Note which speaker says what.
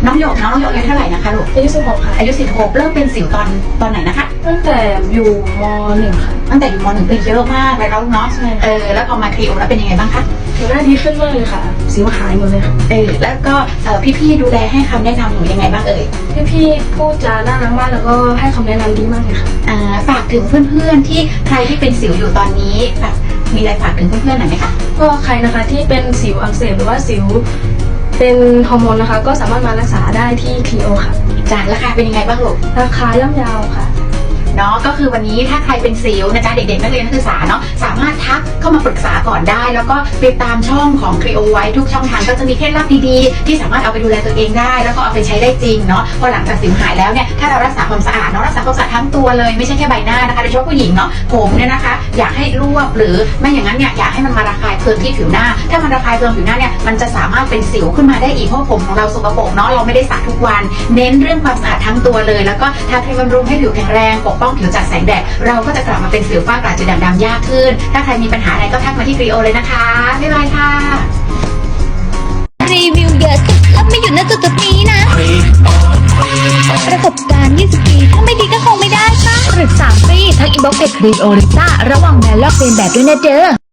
Speaker 1: น้องหยกอายุเท่าไหร่นะคะลูก
Speaker 2: อายุ16ค่ะ
Speaker 1: อายุ16เริ่มเป็นสิวตอนไหนนะคะ
Speaker 2: ตั้งแต่อยู่ม.1 ค่ะ
Speaker 1: ตั้งแต่อยู่ม.1เป็นเยอะมากเลยแล้วเนาะแล้วพอมาครีโอแล้วเป็นยังไงบ้างคะ
Speaker 2: ผิวหน้าดีขึ้นมากเลยค่ะสิวหายหมดเลยค่ะ
Speaker 1: แล้วก็พี่ๆดูแลให้คำแนะนำหนูยังไงบ้าง
Speaker 2: พี่พูดจาน่ารักมากแล้วก็ให้คำแนะนำดีมากเลยค่ะ
Speaker 1: ฝากถึงเพื่อนๆที่ใครที่เป็นสิวอยู่ตอนนี้แบบมีอะไรฝากถึงเพื่อนๆหน่อยไหมคะ
Speaker 2: ก็ใครนะคะที่เป็นสิวอักเสบหรือว่าสิวเป็นฮอร์โมนนะคะก็สามารถมารักษาได้ที่ครีโอค่ะ
Speaker 1: ราคาเป็นยังไงบ้างลูก
Speaker 2: ราคาย่อมเยาวค่ะ
Speaker 1: เนาะก็คือวันนี้ถ้าใครเป็นสิวนะจ๊ะเด็กๆนักเรียนนักศึกษาเนาะสามารถทักเข้ามาปรึกษาก่อนได้แล้วก็ติดตามช่องของครีโอไว้ทุกช่องทางก็จะมีเคล็ดลับดีๆที่สามารถเอาไปดูแลตัวเองได้แล้วก็เอาไปใช้ได้จริงเนาะพอหลังจากสิวหายแล้วเนี่ยถ้าเรารักษาความสะอาดเนาะรักษาความสะอาดทั้งตัวเลยไม่ใช่แค่ใบหน้านะคะโดยเฉพาะผู้หญิงเนาะผมเนี่ยนะคะอยากให้รวบหรือไม่อย่างนั้นเนี่ยอยากให้มันมาระคายเคืองที่ผิวหน้าถ้ามันระคายเคืองผิวหน้าเนี่ยมันจะสามารถเป็นสิวขึ้นมาได้อีกเพราะผมของเราสกปรกเนาะเราไม่ได้สระทุกวันเน้นเรื่องความสะอาดทั้งตัวเลยแล้วก็ทาครีมบำรุงให้ผิวแข็งแรงปกป้องผิวจากแสงแดดเราก็จะกลับมาเป็นสิวฝ้ากระจุดด่างๆยากขึ้นถ้าใครมีปัญหาอะไรก็ทักมาที่ครีโอเลยนะคะบ๊ายบายค่ะ
Speaker 3: รีวิวเยอะสุดแล้วไม่หยุดณจุดนี้นะประสบการณ์20 ปีถ้าไม่ดีก็คงไม่ได้ป่ะปรึกษาฟรีทั้งอินบ็อกซ์เพจครีโอลิซ่าระหว่างแบรนด์ลอกเลียนแบบด้วยนะเด้อ